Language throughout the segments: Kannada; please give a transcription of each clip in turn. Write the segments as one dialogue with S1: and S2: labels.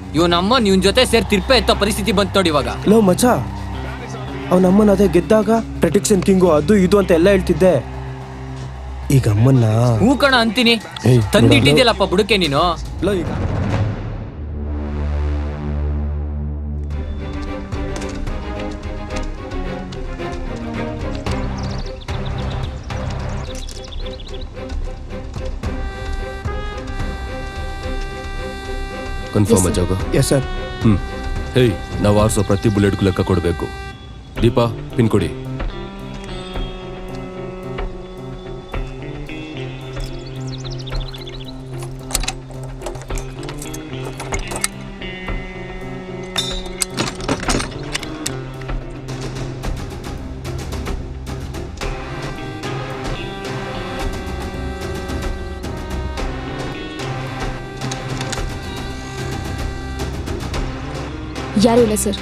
S1: ಇವನಮ್ಮನ್ ಇವನ್ ಜೊತೆ ಸೇರಿ ತಿರ್ಪೆ ಎತ್ತೋ ಪರಿಸ್ಥಿತಿ ಬಂತು ನೋಡಿ ಇವಾಗ.
S2: ಲೋ ಮಚ್ಚ, ಅವನಮ್ಮನ ಅದೇ ಗೆದ್ದಾಗ ಪ್ರೊಟೆಕ್ಷನ್ ಕಿಂಗು ಅದು ಇದು ಅಂತ ಎಲ್ಲ ಹೇಳ್ತಿದ್ದೆ. ಈಗ ಅಮ್ಮನ್ನ
S1: ಹೂ ಕಣ ಅಂತೀನಿ, ತಂದಿಟ್ಟಿದ್ಯಲ್ಲಪ್ಪ ಬುಡಕೆ ನೀನು.
S2: ಲೋ ಈಗ
S3: ಕನ್ಫರ್ಮ್ ಜಾಗ?
S2: Yes sir.
S3: ಹೇಯ್, ನಾವು ಆರಿಸೋ ಪ್ರತಿ ಬುಲೆಟ್ಗೂ ಲೆಕ್ಕ ಕೊಡಬೇಕು. ದೀಪಾ, ಪಿನ್ ಕೊಡಿ.
S4: ಯಾರು ಇಲ್ಲ ಸರ್.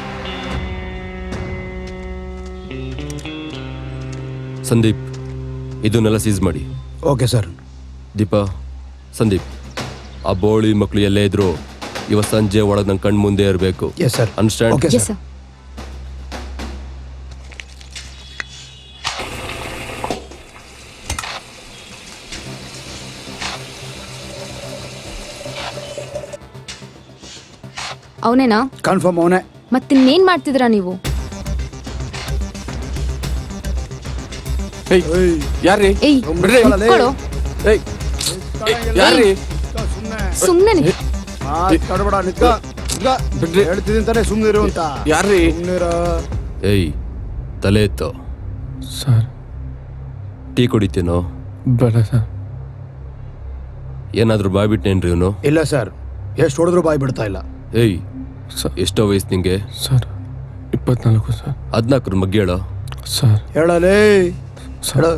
S3: ಸಂದೀಪ್, ಇದನ್ನೆಲ್ಲ ಸೀಸ್ ಮಾಡಿ.
S2: Okay sir.
S3: ದೀಪಾ, ಸಂದೀಪ್, ಆ ಬೋಳಿ ಮಕ್ಕಳು ಎಲ್ಲೇ ಇದ್ರು ಇವತ್ತು ಸಂಜೆ ಒಳಗೆ ನನ್ನ ಕಣ್ಣು ಮುಂದೆ ಇರಬೇಕು.
S2: Yes sir.
S3: Understand?
S2: Okay
S4: yes
S2: sir.
S4: Sir. ಅವನೇನಾ?
S2: ಕನ್ಫರ್ಮ್ ಅವನೇ.
S4: ಮತ್ತಿನ್ನೇನ್ ಮಾಡ್ತಿದ್ರಾ ನೀವು?
S3: ಯಾರ್ರಿ?
S4: ಏಯ್ ನಿಂತ್ಕೊಳ್ಳೋ.
S3: ಯಾರ್ರಿ?
S4: ಸುಮ್ನೆ
S2: ಹೇಳ್ತಿದ್ದೀನಿ ಸುಮ್ಮನೆ ಇರು ಅಂತ.
S3: ಯಾರ್ರಿ? ಏಯ್, ತಲೆ ಎತ್ತೋ.
S5: Sir,
S3: tea ಕುಡಿತೀನೋ?
S5: ಬೇಡ ಸರ್.
S3: ಏನಾದರೂ ಬಾಯ್ಬಿಟ್ಟೇನ್ರಿ ಇವನು?
S2: ಇಲ್ಲ ಸರ್, ಎಷ್ಟು ಹೊಡೆದ್ರು ಬಾಯ್ ಬಿಡ್ತಾ ಇಲ್ಲ.
S3: ಏಯ್, ಎಷ್ಟೋ ವಯಸ್ಸು ನಿಂಗೆ?
S5: Sir 24 sir.
S3: 14 ಮಗ್ಗಿ ಹೇಳೋ.
S5: ಸರ್
S2: ಹೇಳಲೇ
S5: ಸರ್.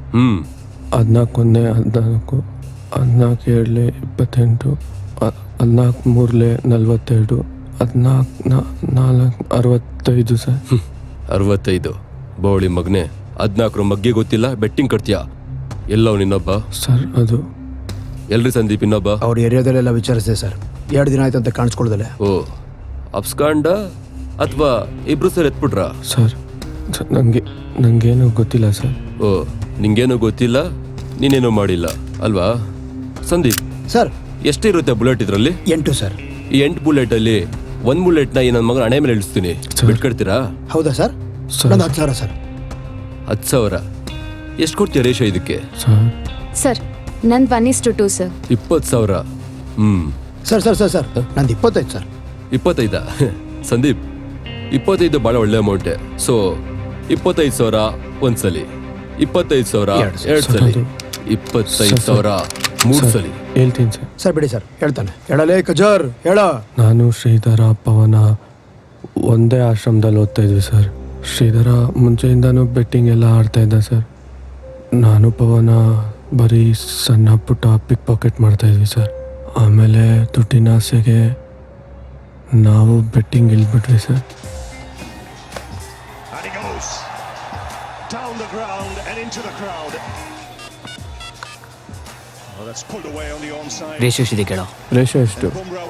S5: 14 14 14 7 28 14 3 42 14 65 ಸರ್.
S3: 65 ಬೋಳಿ ಮಗ್ನೆ. 14 ಮಗ್ಗಿ ಗೊತ್ತಿಲ್ಲ, ಬೆಟ್ಟಿಂಗ್ ಕಟ್ತೀಯಾ? ಎಲ್ಲವ್ ನಿನ್ನೊಬ್ಬ?
S5: ಸರ್ ಅದು
S3: ಎಲ್ರಿ ಸಂದೀಪ್ ಇನ್ನೊಬ್ಬ?
S2: ಅವ್ರ ಏರಿಯಾದಲ್ಲೆಲ್ಲ ವಿಚಾರಿಸಿದೆ ಸರ್, 2 ದಿನ ಆಯ್ತು ಅಂತ ಕಾಣಿಸ್ಕೊಳ್ದಲೆ.
S3: ಓ, ಅಪ್ಸ್ಕಾಂಡ ಅಥವಾ ಇಬ್ರು ಸರ್ ಎತ್ಬಿಟ್ರ?
S5: ಸರ್ ನಂಗೇನು ಗೊತ್ತಿಲ್ಲ ಸರ್.
S3: ಓ, ನಿಂಗೇನು ಗೊತ್ತಿಲ್ಲ, ನೀನೇನು ಮಾಡಿಲ್ಲ ಅಲ್ವಾ? ಸಂದೀಪ್
S2: ಸರ್,
S3: ಎಷ್ಟಿರುತ್ತೆ ಬುಲೆಟ್ ಇದ್ರಲ್ಲಿ?
S2: 8 ಸರ್.
S3: ಈ 8 ಬುಲೆಟ್ ಅಲ್ಲಿ 1 ಬುಲೆಟ್ ನ ಈ ನನ್ನ ಮಗನ ಹಣೆ ಮೇಲೆ ಇಳಿಸ್ತೀನಿ, ಬಿಟ್ಕೊಡ್ತೀರಾ?
S2: ಹೌದಾ ಸರ್?
S5: ಸರ್.
S2: ನಂದು 10,000 ಸರ್.
S3: 10,000 ಎಷ್ಟು ಕೊಡ್ತೀಯ ರೇಷೋ ಇದಕ್ಕೆ?
S5: ಸರ್
S4: ಸರ್ ನಂದು 1:2 sir.
S3: 20,000.
S2: Sir sir sir sir ನಂದು 25 ಸರ್.
S3: 25? ಸಂದೀಪ್, 25 ಬಹಳ ಒಳ್ಳೆ ಅಮೌಂಟೇ. ಸೊ 25,000 ಒಂದ್ಸಲಿ, 25,000 ಎರಡು ಸಲಿ, 25,000 3 ಸಲಿ.
S5: ಹೇಳ್ತೀನಿ ಸರ್.
S2: ಸರ್ ಬಿಡಿ ಸರ್, ಹೇಳ್ತಾನೆ. ಹೇಳಲೇ ಕಜರ್, ಹೇಳ.
S5: ನಾನು ಶ್ರೀಧರ ಪವನ ಒಂದೇ ಆಶ್ರಮದಲ್ಲಿ ಓದ್ತಾ ಇದ್ವಿ ಸರ್. ಶ್ರೀಧರ ಮುಂಚೆಯಿಂದನೂ ಬೆಟ್ಟಿಂಗ್ ಎಲ್ಲ ಆಡ್ತಾ ಇದ್ದ ಸರ್. ನಾನು ಪವನ ಬರೀ ಸಣ್ಣ ಪುಟ್ಟ ಪಿಕ್ ಪಾಕೆಟ್ ಮಾಡ್ತಾ ಇದ್ವಿ ಸರ್. ಆಮೇಲೆ ದುಡ್ಡಿನ ಆಸೆಗೆ ನಾವು ಬೆಟ್ಟಿಂಗ್ ಇಳ್ಬಿಟ್ವಿ ಸರ್.
S1: ರೇಷು ಎಷ್ಟಿದೆ ಕೇಳೋ?
S5: ರೇಷೋ ಎಷ್ಟು?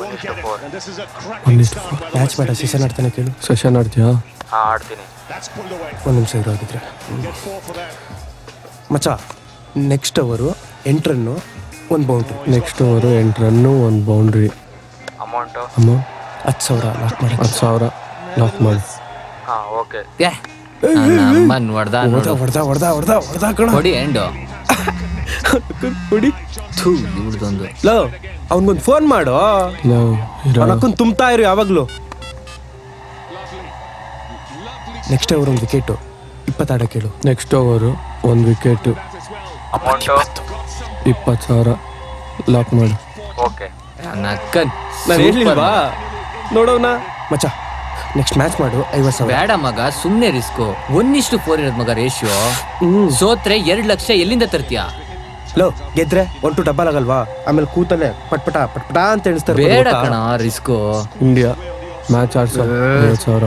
S5: 1:4.
S2: ಮ್ಯಾಚ್ ಬೇಡ, ಸೀಸನ್ ಆಡ್ತಾನೆ ಕೇಳು.
S5: ಸೆಷನ್ ಆಡ್ತೀಯಾ?
S1: ಆಡ್ತೀನಿ.
S2: 1 ನಿಮಿಷ ಇರೋಗಿದ್ರೆ. ಮಚ್ಚ, ನೆಕ್ಸ್ಟ್ ಓವರು 8 ರನ್ನು 1 ಬೌಂಡ್ರಿ.
S5: ನೆಕ್ಸ್ಟ್ ಓವರು 8 ರನ್ನು 1 ಬೌಂಡ್ರಿ. ಅಮೌಂಟ್
S2: 10,000 ಲಾಕ್ ಮಾಡಿ.
S5: 10,000 ಲಾಕ್ ಮಾಡಿ.
S1: ಅಮ್ಮನ್ ಹೊಡ್ದ
S2: ಹೊಡೆದ ಕಣ.
S1: ಕೊಡಿ ಎಂಡು.
S2: ಹೊಡಿ.
S1: ಇವ್ರದೊಂದು
S2: ಲೋ, ಅವನ್ಗೊಂದು ಫೋನ್ ಮಾಡು. ಅವನಕ್ಕೊಂದು ತುಂಬ್ತಾ ಇರು ಯಾವಾಗ್ಲೂ. ನೆಕ್ಸ್ಟ್ ಓವರ್ 1 ವಿಕೆಟು 20 ಆಡ ಕೇಳು.
S5: ನೆಕ್ಸ್ಟ್ ಓವರು 1 ವಿಕೆಟು 20,000 ಲಾಕ್ ಮಾಡಿ.
S1: ನಕ್ಕನ್
S2: ನಾನು ಹೇಳಿಲ್ವಾ? ನೋಡೋಣ ಮಚ್ಚ, ನೆಕ್ಸ್ಟ್ ಮ್ಯಾಚ್ ಮಾಡು 50,000.
S1: ಬೇಡ ಮಗ, ಸುಮ್ನೆ ರಿಸ್ಕು. 1:4 ಇರೋದ್ ಮಗ ರೇಷಿಯೋ. ಸೋತ್ರೆ 2 ಲಕ್ಷ ಎಲ್ಲಿಂದ ತರ್ತೀಯ?
S2: ಲೋ, ಗೆದ್ರೆ 1 ಡಬ್ಬಲ್ ಆಗಲ್ವಾ? ಆಮೇಲೆ ಕೂತಲ್ಲೇ ಪಟ್ಪಟ ಪಟ್ಪಟ ಅಂತ ಎಣಿಸ್ತಾರೆ.
S1: ಬೇಡ ಕಣ ರಿಸ್ಕು.
S5: India match ಆಡ್ಸೋ 50,000.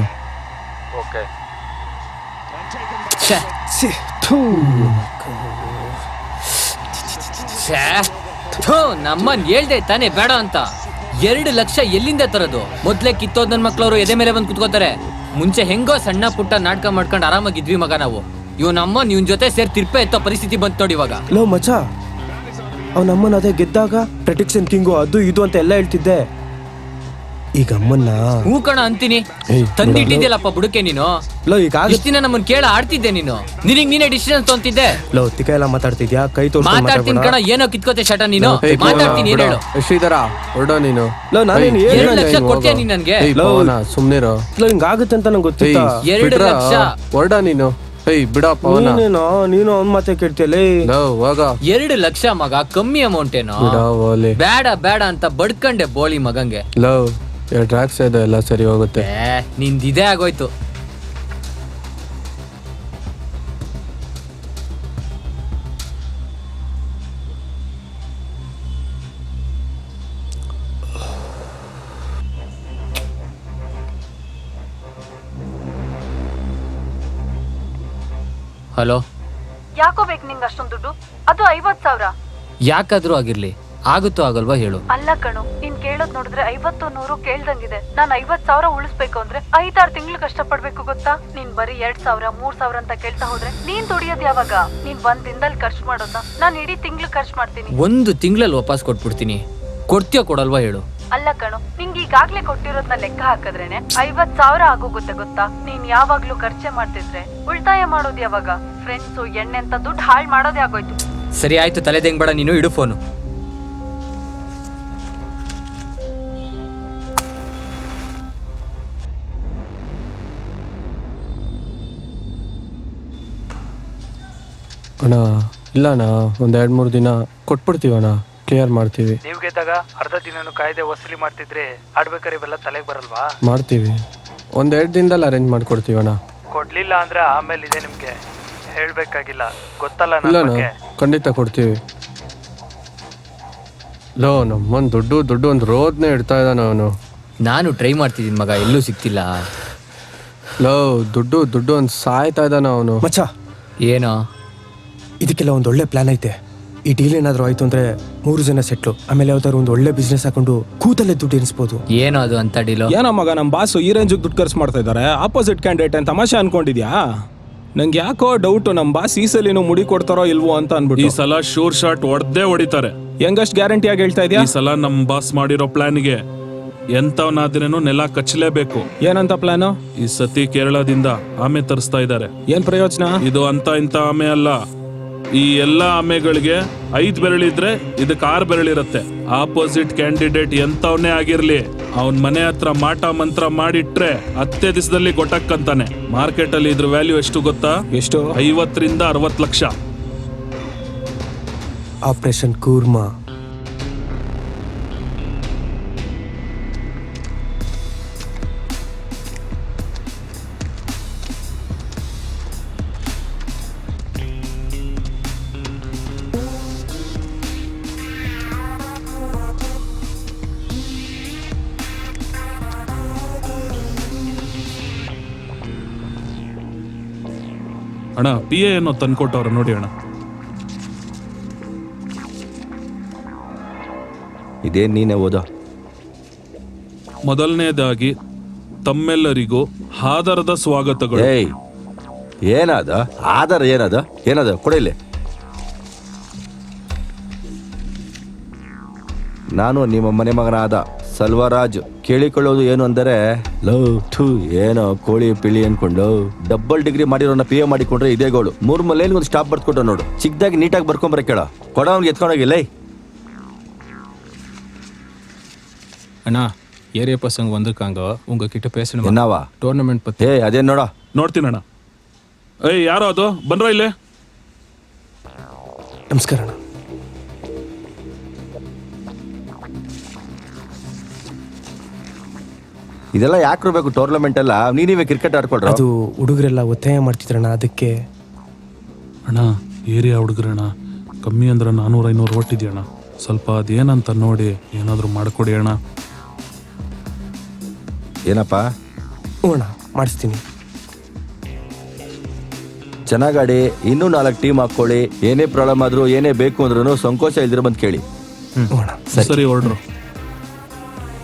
S1: ನಮ್ಮನ್ ಹೇಳ್ದೆ ತಾನೇ ಬೇಡ ಅಂತ. 2 ಲಕ್ಷ ಎಲ್ಲಿಂದ ತರೋದು? ಮೊದ್ಲೇ ಕಿತ್ತೋದ್ ನನ್ ಮಕ್ಳವ್ರು ಎದೆ ಮೇಲೆ ಬಂದು ಕುತ್ಕೋತಾರೆ. ಮುಂಚೆ ಹೆಂಗೋ ಸಣ್ಣ ಪುಟ್ಟ ನಾಟಕ ಮಾಡ್ಕೊಂಡು ಆರಾಮಾಗಿದ್ವಿ ಮಗ ನಾವು. ಇವನಮ್ಮ ಇವನ್ ಜೊತೆ ಸೇರಿ ತಿರ್ಪೆ ಎತ್ತೋ ಪರಿಸ್ಥಿತಿ ಬಂತು ನೋಡಿ ಇವಾಗ.
S2: ಲೋ ಮಚ್ಚ, ಅವನಮ್ಮನ ಅದೇ ಗೆದ್ದಾಗ ಪ್ರೊಟೆಕ್ಷನ್ ಕಿಂಗು ಅದು ಇದು ಅಂತ ಎಲ್ಲ ಹೇಳ್ತಿದ್ದೆ. ಈಗ ಅಮ್ಮನ್ನ
S1: ಹೂ ಕಣ ಅಂತೀನಿ. ತಂದಿಟ್ಟಿದ್ಯಲ್ಲಪ್ಪ ಬುಡಕೆ ನೀನು.
S2: ಲೋ ಈಗ
S1: ಇಷ್ಟ್ ದಿನ ನಮ್ಮನ್ ಕೇಳ ಆಡ್ತಿದ್ದೆ ನೀನು. ನಿನಗ್ ನೀನೇ ಡಿಸಿಷನ್ ತೊಂತಿದ್ದೆ.
S2: ಲೋ ತಿಕ್ಕ ಎಲ್ಲ ಮಾತಾಡ್ತಿದ್ಯಾ? ಕೈ ತೋರ್ಸ್ಕೊಂಡ್
S1: ಮಾತಾಡ್ತೀನಿ ಕಣ. ಏನೋ ಕಿತ್ಕೋತೆ ಶಟ ನೀನು. ಮಾತಾಡ್ತೀನಿ ಏನ್ ಹೇಳು.
S5: ಶ್ರೀಧರ ಹೊರಡೋ ನೀನು.
S2: ಲೋ ನಾನೇನು
S1: 2 ಲಕ್ಷ ಕೊಡ್ತೀಯ ನೀನ್ ನನ್ಗೆ?
S5: ಸುಮ್ನಿರೋ.
S2: ಲೋ ಹಿಂಗಾಗುತ್ತೆ ಅಂತ ನಂಗೆ ಗೊತ್ತಿತ್ತ.
S1: 2 ಲಕ್ಷ
S5: ಹೊರಡ ನೀನು. ಬಿಡ ಪವನ.
S2: ನೀನು ಅವ್ನ ಮಾತೆ ಕೇಳ್ತಿಯಲ್ಲ.
S1: 2 ಲಕ್ಷ ಮಗ, ಕಮ್ಮಿ ಅಮೌಂಟ್ ಏನೋ. ಬೇಡ ಬೇಡ ಅಂತ ಬಡ್ಕಂಡೆ ಬೋಳಿ ಮಗಂಗೆ.
S5: ಲವ್ ಡ್ರಾಕ್ಸ್ ಇದೆ, ಎಲ್ಲ ಸರಿ ಹೋಗುತ್ತೆ.
S1: ನಿಂದಿದೆ ಆಗೋಯ್ತು. ಹಲೋ,
S6: ಯಾಕೋ ಬೇಕು ನಿಂಗೆ ಅಷ್ಟೊಂದು ದುಡ್ಡು? ಅದು 50,000.
S1: ಯಾಕಾದ್ರೂ ಆಗಿರ್ಲಿ, ಆಗುತ್ತೋ ಆಗಲ್ವಾ ಹೇಳು.
S6: ಅಲ್ಲ ಕಣು, ನೀನ್ ಕೇಳೋದ್ ನೋಡಿದ್ರೆ 50-100 ಕೇಳ್ದಂಗಿದೆ. ನಾನ್ 50,000 ಉಳಿಸ್ಬೇಕು ಅಂದ್ರೆ 5-6 ತಿಂಗಳು ಕಷ್ಟಪಡ್ಬೇಕು ಗೊತ್ತಾ? ನೀನ್ ಬರೀ 2,000 3,000 ಅಂತ ಕೇಳ್ತಾ ಹೋದ್ರೆ ನೀನ್ ದುಡಿಯೋದ್ ಯಾವಾಗ? ನೀನ್ 1 ದಿನದಲ್ಲಿ ಖರ್ಚು ಮಾಡೋದನ್ನ ನಾನ್ ಇಡೀ ತಿಂಗಳು ಖರ್ಚು ಮಾಡ್ತೀನಿ.
S1: 1 ತಿಂಗಳಲ್ಲಿ ವಾಪಸ್ ಕೊಟ್ಬಿಡ್ತೀನಿ. ಕೊಡ್ತೀಯೋ ಕೊಡಲ್ವಾ ಹೇಳು.
S6: ಅಲ್ಲ ಕಣು, ನಿಂಗೆ ಈಗಾಗ್ಲೇ ಕೊಟ್ಟಿರೋದ್ನ ಲೆಕ್ಕ ಹಾಕಿದ್ರೇನೆ 50,000 ಆಗೋಗುತ್ತೆ ಗೊತ್ತಾ? ನೀನ್ ಯಾವಾಗ್ಲೂ ಖರ್ಚೆ ಮಾಡ್ತಿದ್ರೆ ಉಳಿತಾಯ ಮಾಡೋದ್ ಯಾವಾಗ? ಫ್ರೆಂಡ್ಸು ಎಣ್ಣೆ ಅಂತ ದುಡ್ಡು ಹಾಳು ಮಾಡೋದೇ ಆಗೋಯ್ತು.
S1: ಸರಿ ಆಯ್ತು, ತಲೆದೆಂಗ್ ಬೇಡ ನೀನು, ಇಡು ಫೋನು.
S5: ಅಣ್ಣ ಇಲ್ಲ ಅಣ್ಣ, ಒಂದ್ 2-3 ದಿನ ಕೊಟ್ಬಿಡ್ತೀವಣ್ಣ, ಕ್ಲಿಯರ್ ಮಾಡ್ತೀವಿ.
S7: ನೀವು ಗೆದ್ದಾಗ ಅರ್ಧ ದಿನನೂ ಕಾಯ್ದೆ ವಸೂಲಿ ಮಾಡ್ತಿದ್ರೆ ಆಡ್ಬೇಕಾರೆ ಇವೆಲ್ಲ ತಲೆಗೆ ಬರಲ್ವಾ?
S5: ಮಾಡ್ತೀವಿ, 1-2 ದಿನದಲ್ಲಿ ಅರೇಂಜ್ ಮಾಡ್ಕೊಡ್ತೀವಣ್ಣ.
S7: ಕೊಡ್ಲಿಲ್ಲ ಅಂದ್ರೆ ಆಮೇಲೆ ಇದೆ ನಿಮ್ಗೆ ಹೇಳ್ಬೇಕಾಗಿಲ್ಲ, ಗೊತ್ತಲ್ಲ
S5: ಇಲ್ಲ
S7: ನನ್ನ
S5: ಅಣ್ಣ,
S7: ಬಗ್ಗೆ.
S5: ಖಂಡಿತ ಕೊಡ್ತೀವಿ. ಲೋ ನಮ್ಮನ್ ದುಡ್ಡು ಒಂದು ರೋದ್ನೇ ಇಡ್ತಾ ಇದ್ದಾನ ಅವನು.
S1: ನಾನು ಟ್ರೈ ಮಾಡ್ತಿದ್ದೀನಿ ಮಗ, ಎಲ್ಲೂ ಸಿಕ್ತಿಲ್ಲ.
S5: ಲೋ ದುಡ್ಡು ಒಂದು ಸಾಯ್ತಾ ಇದ್ದಾನ ಅವನು.
S2: ಮಚ್ಚ,
S1: ಏನೋ
S2: ಇದಕ್ಕೆಲ್ಲ ಒಂದು ಒಳ್ಳೆ ಪ್ಲಾನ್ ಐತೆ. ಈ ಡೀಲ್ ಏನಾದ್ರು ಆಯ್ತು ಅಂದ್ರೆ 3 ಜನ ಸೆಟ್ಲು. ಆಮೇಲೆ ಯಾವ್ದಾದ್ರು ಒಂದು ಒಳ್ಳೆ ಬಿಸ್ನೆಸ್ ಹಾಕೊಂಡು ಕೂತಲ್ಲೇ ದುಡ್ಡು ಎನಿಸ್ಬೋದು.
S1: ಏನೋ ಅದು ಅಂತ ಡೀಲು.
S8: ಏನೋ ಮಗ, ನಮ್ಮ ಬಾಸು ಈ ರೇಂಜಿಗೆ ದುಡ್ಡು ಖರ್ಚು ಮಾಡ್ತಾ ಇದ್ದಾರೆ. ಆಪೋಸಿಟ್ ಕ್ಯಾಂಡಿಡೇಟ್ ಅಂತ ತಮಾಷೆ ಅನ್ಕೊಂಡಿದ್ಯಾ? ನಂಗೆ ಯಾಕೋ ಡೌಟು, ನಮ್ಮ ಬಾಸ್ ಈ ಸಲಿನೂ ಮುಡಿ ಕೊಡ್ತಾರೋ ಇಲ್ವೋ ಅಂತ ಅನ್ಬಿಟ್ಟು.
S9: ಈ ಸಲ ಶೂರ್ ಶಾಟ್ ಹೊಡೆದೇ ಹೊಡಿತಾರೆ.
S8: ಹೆಂಗಷ್ಟು ಗ್ಯಾರಂಟಿ ಆಗಿ ಹೇಳ್ತಾ ಇದೆಯಾ?
S9: ಈ ಸಲ ನಮ್ ಬಾಸ್ ಮಾಡಿರೋ ಪ್ಲಾನ್ಗೆ ಎಂತವನಾದ್ರೇನು ನೆಲ ಕಚ್ಚಲೇಬೇಕು.
S8: ಏನಂತ ಪ್ಲಾನು?
S9: ಈ ಸತಿ ಕೇರಳದಿಂದ ಆಮೆ ತರಿಸ್ತಾ ಇದ್ದಾರೆ.
S8: ಏನ್ ಪ್ರಯೋಜನ?
S9: ಇದು ಅಂತ ಇಂತ ಆಮೆ ಅಲ್ಲ. ಈ ಎಲ್ಲಾ ಆಮೆಗಳಿಗೆ 5 ಬೆರಳಿದ್ರೆ ಇದಕ್ಕೆ 6 ಬೆರಳಿರತ್ತೆ. ಆಪೋಸಿಟ್ ಕ್ಯಾಂಡಿಡೇಟ್ ಎಂತವನೇ ಆಗಿರ್ಲಿ, ಅವನ್ ಮನೆ ಹತ್ರ ಮಾಟ ಮಂತ್ರ ಮಾಡಿಟ್ರೆ 10 ದಿವಸದಲ್ಲಿ ಗೊಟ್ಟಕ್ಕಂತಾನೆ. ಮಾರ್ಕೆಟ್ ಅಲ್ಲಿ ಇದ್ರ ವ್ಯಾಲ್ಯೂ ಎಷ್ಟು ಗೊತ್ತಾ?
S8: ಎಷ್ಟು?
S9: 50 ರಿಂದ 60 ಲಕ್ಷ.
S2: ಆಪರೇಷನ್ ಕೂರ್ಮಾ.
S9: ಅಣ್ಣ, PA ಏನೋ ತಂದ್ಕೊಟ್ಟವ್ರ ನೋಡಿ ಅಣ್ಣ.
S10: ಇದೇನ್ ನೀನೇ ಓದ?
S9: ಮೊದಲನೇದಾಗಿ ತಮ್ಮೆಲ್ಲರಿಗೂ ಆದರದ ಸ್ವಾಗತಗಳು.
S10: ಏಯ್, ಏನಾದ ಆಧಾರ? ಏನದ ಕೊಡಿಲ್ಲ. ನಾನು ನಿಮ್ಮ ಮನೆ ಮಗನಾದ ಸಲ್ವರಾಜ್. ಕೇಳಿಕೊಳ್ಳೋದು ಏನು ಅಂದರೆ, ಲವ್ ಥೂ ಏನೋ ಕೋಳಿ ಪಿಳಿ ಅನ್ಕೊಂಡು ಡಬಲ್ ಡಿಗ್ರಿ ಮಾಡಿರೋನ PA ಮಾಡಿಕೊಂಡ್ರೆ ಇದೇ ಗೋಳು. 3 ಮಲೇಲಿ ಒಂದು ಸ್ಟಾಪ್ ಬರ್ದ್ಕೊಟ್ಟ ನೋಡು. ಚಿಕ್ಕದಾಗಿ ನೀಟಾಗಿ ಬರ್ಕೊಂಬರ ಕೇಳ. ಕೊಡ ಅವ್ನಿಗೆ ಎತ್ಕೊಂಡೋಗಿಲ್ಲ.
S8: ಅಣ್ಣ, ஏரியா பசங்க வந்திருக்காங்க, உங்ககிட்ட பேசணும்.
S10: என்னவா?
S8: டோர்னமெண்ட் பத்தி.
S10: ಏ ಅದೇನ್ ನೋಡ.
S9: ನೋಡ್ತೀನಣ್ಣ. ಏಯ್, ಯಾರೋ ಅದು ಬಂದ್ರ ಇಲ್ಲೇ?
S2: ನಮಸ್ಕಾರ ಅಣ್ಣ.
S10: ಇದೆಲ್ಲ ಯಾಕೆ ಬೇಕು ಟೂರ್ನಮೆಂಟ್ ಎಲ್ಲ? ನೀವೇ ಕ್ರಿಕೆಟ್ ಆಡ್ಕೊಳ್ರ.
S2: ಅದು ಹುಡುಗರೆಲ್ಲ ಒತ್ತಾಯ ಮಾಡ್ತಿದ್ರಣ್ಣ, ಅದಕ್ಕೆ.
S9: ಅಣ್ಣ, ಏರಿಯಾ ಹುಡುಗ್ರಣ್ಣ, ಕಮ್ಮಿ ಅಂದ್ರೆ 400-500 ಒಟ್ಟಿದ್ಯಣ್ಣ. ಸ್ವಲ್ಪ ಅದೇನಂತ ನೋಡಿ ಏನಾದ್ರು ಮಾಡ್ಕೊಡಿ ಅಣ್ಣ.
S10: ಏನಪ್ಪ?
S2: ಹ್ಞೂ ಅಣ್ಣ, ಮಾಡಿಸ್ತೀನಿ.
S10: ಚೆನ್ನಾಗಾಡಿ, ಇನ್ನೂ 4 ಟೀಮ್ ಹಾಕೊಳ್ಳಿ. ಏನೇ ಪ್ರಾಬ್ಲಮ್ ಆದ್ರೂ ಏನೇ ಬೇಕು ಅಂದ್ರೂ ಸಂಕೋಚ ಇಲ್ದಿರ ಬಂದು ಕೇಳಿ.
S2: ಹ್ಞೂ ಅಣ್ಣ,
S9: ಸರಿ ಹೊರಡ್ರು.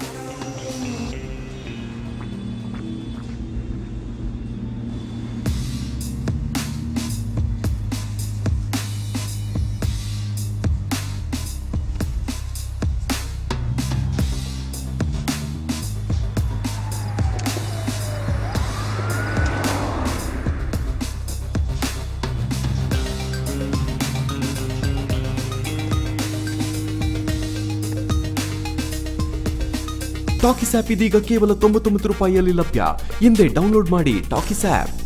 S11: ಟಾಕಿಸ್ ಆಪ್ ಇದೀಗ ಕೇವಲ 99 ರೂಪಾಯಿಯಲ್ಲಿ ಲಭ್ಯ. ಹಿಂದೆ ಡೌನ್ಲೋಡ್ ಮಾಡಿ ಟಾಕಿಸ್ ಆಪ್.